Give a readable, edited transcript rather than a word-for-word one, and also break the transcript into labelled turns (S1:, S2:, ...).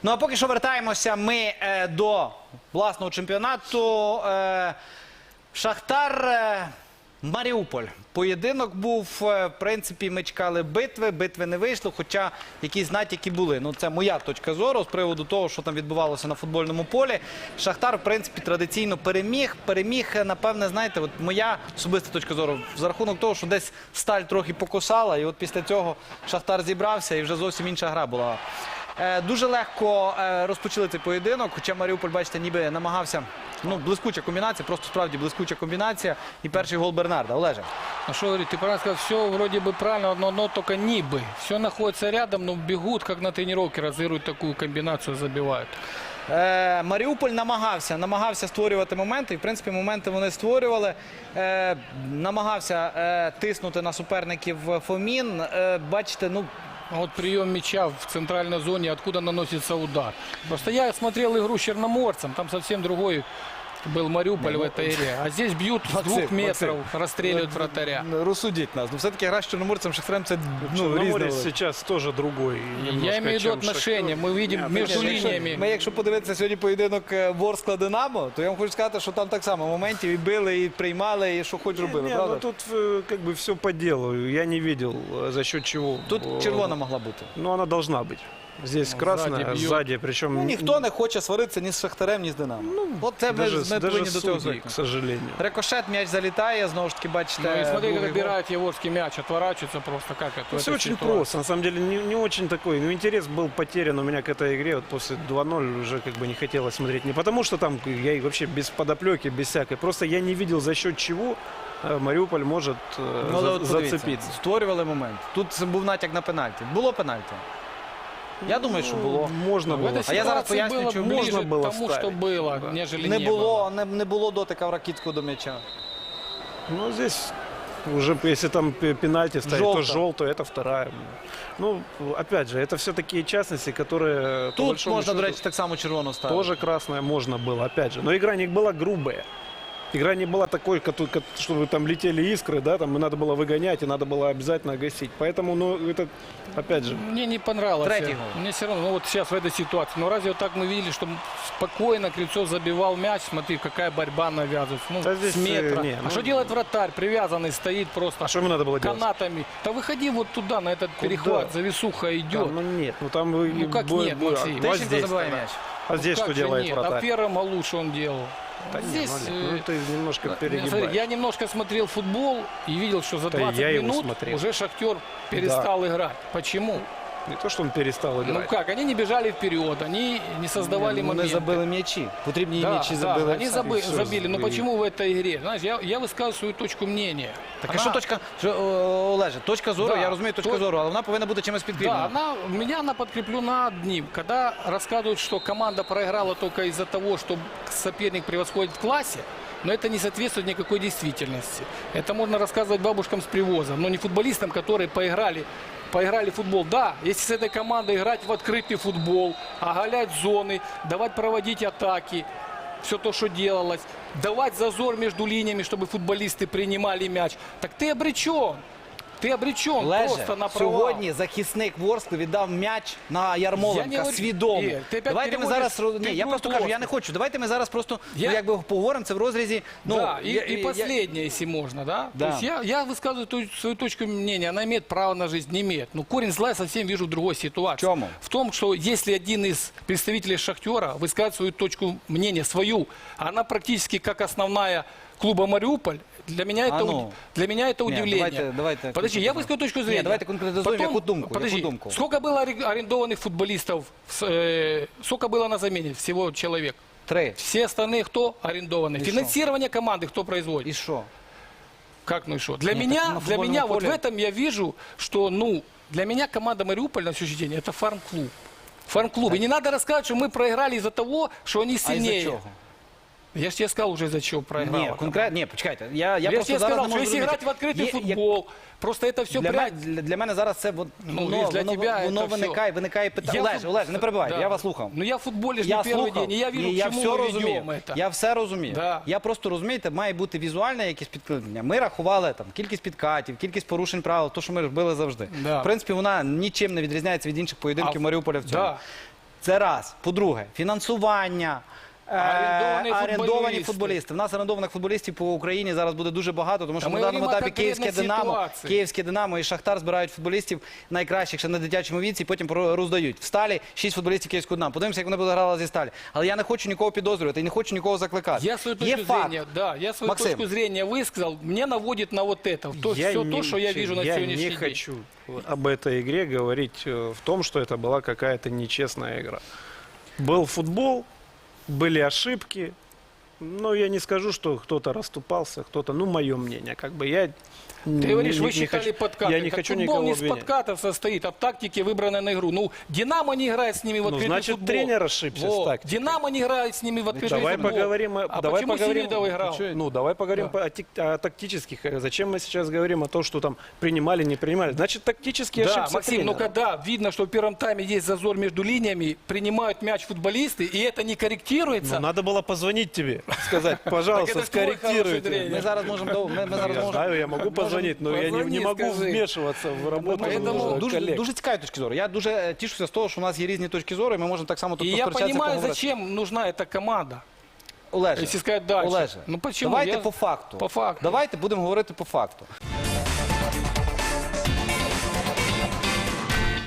S1: Ну а поки що вертаємося ми до власного чемпіонату. Шахтар Маріуполь. Поєдинок був, в принципі, ми чекали битви не вийшло, хоча якісь натяки були. Ну, це моя точка зору з приводу того, що там відбувалося на футбольному полі. Шахтар, в принципі, традиційно переміг, напевне, знаєте, от моя особиста точка зору, за рахунок того, що десь сталь трохи покусала, і от після цього Шахтар зібрався, і вже зовсім інша гра була. Дуже легко розпочали цей поєдинок, хоча Маріуполь, бачите, ніби намагався. Ну, блискуча комбінація, просто справді блискуча комбінація. І перший гол Бернарда. Олеже.
S2: Ну что говорить, ты правильно сказал, все вроде бы правильно, но только нибы. Все находится рядом, но бегут, как на тренировке, разыгрывают такую комбинацию, забивают.
S1: Маріуполь намагався створювати моменти, і, в принципі, моменти вони створювали. Намагався тиснути на суперників Фомін. Бачите, ну...
S2: Вот прием мяча в центральной зоне, откуда наносится удар. Просто я смотрел игру с Черноморцем, там совсем другой был Мариуполь в этой игре. А здесь бьют с 2 метров, расстреливают вратаря.
S1: Розсудіть нас. Ну, все-таки гра з Чорноморцем, Шахтарем це
S3: Черноморец сейчас тоже другой.
S2: Я имею в виду отношения. Мы видим между линиями.
S1: Ми, якщо подивитися сьогодні поєдинок Ворскла-Динамо, то я вам хочу сказати, що там так само моментів і били, і приймали, і що хоч робили, правда?
S3: Ну тут как бы все по делу. Я не видел, за счет чего.
S1: Тут червона могла бути.
S3: Но она должна быть. Здесь красная, сзади, причем...
S1: Ну, ніхто не хоче сваритися ні з Шахтарем, ні з Динамо. От це ми повинні до цього
S3: судьи,
S1: звикнути.
S3: к сожалению.
S1: Рикошет, м'яч залітає, знову ж таки, бачите.
S2: Ну и смотри, как
S1: другий гол.
S2: отбирает Еворский мяч, отворачивается просто как это.
S3: Все очень просто, на самом деле не очень такой. Ну, интерес был потерян у меня к этой игре. Вот после 2-0 уже как бы не хотелось смотреть. Не потому что там я вообще без подоплеки, без всякой. Просто я не видел, за счет чего Маріуполь може зацепитися.
S1: Створювали момент. Тут був натяк на пенальті. Було пенальті? Я думаю, що було.
S3: Можна було.
S1: А я зараз поясню, чому
S2: ближе
S3: можна було
S2: к тому, что было,
S3: Да.
S2: нежели
S1: Не
S2: не было.
S1: було дотика в Ракітську до м'яча.
S3: Ну, здесь уже, если там пенальти ставить, то желтую, это вторая. Ну, опять же, это все такие частности, которые... по
S1: Тут
S3: большому
S1: можна, до
S3: счету,
S1: речі, так само червоно ставити.
S3: тоже красная можно было, опять же. Но игра не была грубая. Игра не была такой, чтобы там летели искры, да, там и надо было выгонять, и надо было обязательно гасить. Поэтому, ну, это, опять же...
S2: Мне не понравилось.
S1: Третий гол.
S2: Мне все равно, ну вот сейчас в этой ситуации. Но разве вот так мы видели, что спокойно Крильцов забивал мяч? Смотри, какая борьба навязывается. Ну,
S3: Да здесь,
S2: с метра.
S3: не,
S2: А
S3: ну,
S2: что делает вратарь? Привязанный стоит просто
S3: А что ему надо было делать?
S2: канатами. Да выходи вот туда, на этот перехват, зависуха идет.
S3: Там, ну, нет, ну там...
S2: Ну, как нет, Максим?
S3: Вот
S1: Тищенко
S3: здесь,
S1: забиває м'яч.
S3: а здесь
S2: Как
S3: что
S2: же
S3: делает
S2: нет? А в
S3: вратарь?
S2: первом голу что он делал?
S3: Да нет,
S2: Здесь,
S3: ну, ты немножко
S2: смотри,
S3: перегибаешь.
S2: я немножко смотрел футбол и видел, что за
S3: Да
S2: 20
S3: я его
S2: минут
S3: смотрел.
S2: уже Шахтер перестал играть. Почему?
S3: Не то, что он перестал играть.
S2: Ну как, они не бежали вперед, они не создавали
S1: Вони
S2: моменты.
S1: забили м'ячі. Потрібні
S2: Да,
S1: м'ячі
S2: да,
S1: забили.
S2: они забили. Но почему в этой игре? Знаешь, я высказываю свою точку мнения.
S1: Так а що точка, Олеже, точка зору,
S2: Да,
S1: я розумію точку зору, але вона повинна бути чимось
S2: Да,
S1: підкріплена.
S2: у меня она подкреплена одним. Когда рассказывают, что команда проиграла только из-за того, что соперник превосходит в классе, но это не соответствует никакой действительности. Это можно рассказывать бабушкам с привозом, но не футболистам, которые поиграли в футбол. Да, если с этой командой играть в открытый футбол, оголять зоны, давать проводить атаки, все то, что делалось, давать зазор между линиями, чтобы футболисты принимали мяч, так ты обречен. Ты обречен
S1: Олеже,
S2: просто на провал.
S1: сьогодні захисник Ворскли віддав м'яч на Ярмоленка
S2: Я не говорю-
S1: свідомо.
S2: Ігор, ти опять
S1: Давайте ми
S2: переводиш
S1: зараз... Ні, я
S2: Ворскли.
S1: просто кажу, я не хочу. Давайте ми зараз просто
S2: Я-
S1: ну, якби поговоримо це в розрізі... Ну,
S2: Да, и последнее, если можно, да?
S1: Да.
S2: То есть я высказываю свою точку мнения, она имеет право на жизнь, не имеет. Но корень зла я совсем вижу в другой ситуации.
S1: В чём?
S2: В том, что если один из представителей Шахтера высказывает свою точку мнения, свою, она практически как основная клуба Мариуполь, для меня это удивление.
S1: давайте
S2: Подожди, я выскажу точку зрения.
S1: давайте конкретизуем, яку думку.
S2: Подожди,
S1: яку думку.
S2: сколько было арендованных футболистов, сколько было на замене всего человек?
S1: 3.
S2: Все остальные кто арендованные?
S1: И
S2: Финансирование команды кто производит?
S1: І що?
S2: Как ну и что? Для
S1: Нет,
S2: меня,
S1: так на
S2: вот
S1: футбольном
S2: в
S1: поле-
S2: этом я вижу, что, ну, для меня команда Мариуполь на сегодняшний день это фарм-клуб. Фарм-клуб. И не надо рассказывать, что мы проиграли из-за того, что они
S1: А
S2: сильнее.
S1: із-за чого?
S2: Я же тебе сказал уже, из-за чего проиграла.
S1: Ні, конкретно, ні, почекайте. Я
S2: Я же
S1: просто
S2: тебе
S1: зараз
S2: сказал,
S1: не
S2: что
S1: можу
S2: если играть в
S1: зрозуміти.
S2: открытый
S1: Є-
S2: футбол, просто это все
S1: Для мене зараз це
S2: Лиз, для тебя
S1: воно
S2: это
S1: виникає питання. Олеж, не перебивайте, я вас слухав.
S2: Ну я в футболе ж
S1: Я
S2: не первый
S1: слухав,
S2: день, и я вижу,
S1: ні,
S2: к
S1: я
S2: чему
S1: все
S2: мы
S1: розумію.
S2: ведем это.
S1: Я все розумію.
S2: Да.
S1: Я просто, розумієте, має бути візуальне якесь підкріплення. Ми рахували там кількість підкатів, кількість порушень правил, то, що ми робили завжди.
S2: Да.
S1: В принципі, вона нічим не відрізняється від інших поєдинків Маріуполя в цьому.
S2: Да.
S1: Це раз. По-друге, фінансування. Орендовані футболісти. У нас орендованих футболістів по Україні зараз буде дуже багато, тому що
S2: Та ми
S1: на даному
S2: говоримо
S1: етапі
S2: о конкретній ситуації.
S1: Київське Динамо і Шахтар збирають футболістів найкращих ще на дитячому віці, і потім роздають. В Сталі 6 футболістів Київського Динамо. Подивимося, як вони будуть грати зі Сталі. Але я не хочу нікого підозрювати і не хочу нікого закликати.
S2: Я свою
S1: Є
S2: точку
S1: факт.
S2: зрения, да, я свою
S1: Максим.
S2: точку зрения высказал. Мне наводит на вот это. Все то, что я вижу на сегодняшний
S3: Я
S2: день.
S3: не хочу об этой игре говорить в том, что это была какая-то нечестная игра. Был футбол, были ошибки. Но я не скажу, что кто-то расступался, кто-то, ну, мое мнение, как бы я...
S2: Ты говоришь, вы считали
S3: хочу,
S2: подкаты.
S3: я не
S2: Так
S3: хочу
S2: футбол
S3: никого
S2: не из
S3: обвинять.
S2: подкатов состоит, а в тактике, выбранной на игру. Ну, Динамо не играет с ними в открытый
S3: значит,
S2: футбол.
S3: тренер ошибся с тактикой.
S2: Динамо не играет с ними в открытый
S3: Давай
S2: футбол.
S3: поговорим,
S2: А
S3: давай
S2: почему
S3: поговорим,
S2: Семидов играл?
S3: Ну, давай поговорим о тактических. Зачем мы сейчас говорим о том, что там принимали, не принимали? Значит, тактически
S2: Да,
S3: ошибся
S2: Максим,
S3: тренер.
S2: но когда видно, что в первом тайме есть зазор между линиями, принимают мяч футболисты, и это не корректируется.
S3: Ну, надо было позвонить тебе, сказать, пожалуйста,
S2: Так это твой хороший
S3: скорректируйте.
S2: тренер.
S1: Ми зараз можемо...
S3: Я знаю, я могу позвонить, но я
S2: Позвони,
S3: не могу
S2: скажи.
S3: вмешиваться в работу
S2: Поэтому
S3: коллег.
S1: Дуже цікаві точки зору. Я дуже тішуся з того, що у нас є різні точки зору, і ми можемо так само тут
S2: И я
S1: посперечатися,
S2: понимаю,
S1: поговорити.
S2: зачем нужна эта команда.
S1: Олеже,
S2: Если сказать дальше.
S1: Олеже,
S2: Ну почему?
S1: давайте
S2: Я-
S1: по факту.
S2: По факту.
S1: Давайте будемо говорити по факту.